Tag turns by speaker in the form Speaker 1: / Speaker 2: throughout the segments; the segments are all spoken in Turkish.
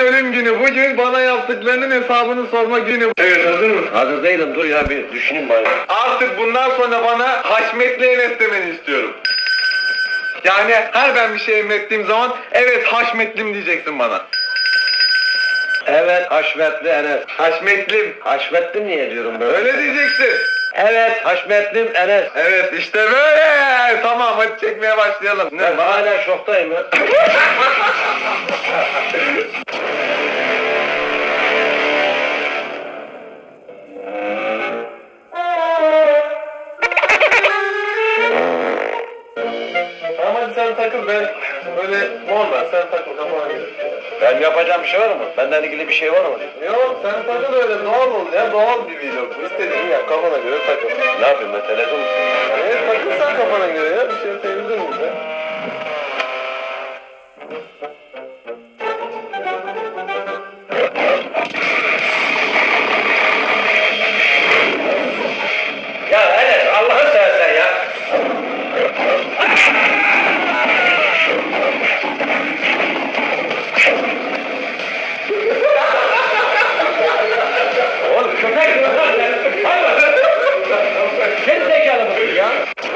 Speaker 1: ölüm günü. Bugün bana yaptıklarının hesabını sorma günü. Evet, hazır mısın?
Speaker 2: Hazır değilim, dur ya bir düşüneyim bari.
Speaker 1: Artık bundan sonra bana Haşmetli Enes demeni istiyorum. Yani her ben bir şey emrettiğim zaman evet Haşmetlim diyeceksin bana.
Speaker 2: Evet, Haşmetli Enes.
Speaker 1: Haşmetlim.
Speaker 2: Haşmetlim niye diyorum böyle?
Speaker 1: Öyle diyeceksin.
Speaker 2: Evet, Haşmetlim Enes.
Speaker 1: Evet işte böyle. Tamam hadi çekmeye başlayalım. Ne?
Speaker 2: Ben hala şoktayım ya.
Speaker 1: Tamam hadi sen takıl, ben böyle normal sen takıl kafana göre.
Speaker 2: Ben yapacağım bir şey var mı? Benden ilgili bir şey var mı?
Speaker 1: Yok sen takıl öyle doğal ol ya, doğal bir vlog. İstediğini yap, kafana göre takıl.
Speaker 2: Ne yapayım ben, televizyon musun?
Speaker 1: Evet takıl sen kafana göre ya, bir şey sevdin mi be?
Speaker 2: Ya Enes, Allah'ını seversen ya. Oğlum köpek mi lan sen? Hayvan! Sen zekalı mısın ya?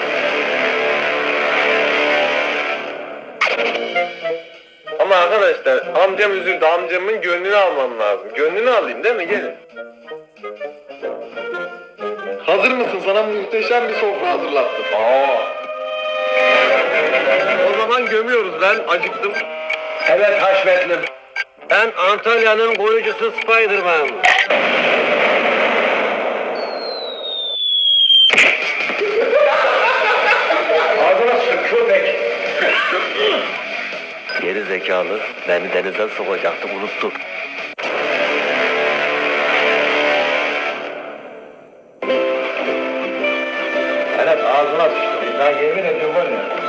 Speaker 1: Ama arkadaşlar amcam üzüldü, amcamın gönlünü almam lazım. Gönlünü alayım değil mi? Gelin. Hazır mısın? Sana muhteşem bir sofra hazırlattım. O zaman gömüyoruz, ben acıktım.
Speaker 2: Evet Haşmetlim. Ben Antalya'nın koruyucusu Spiderman. Ağzına sık köpek. Geri zekalı, beni denize sokacaktı, unuttum. Evet, ağzına sıçtım. Ben yemin ediyorum var ya.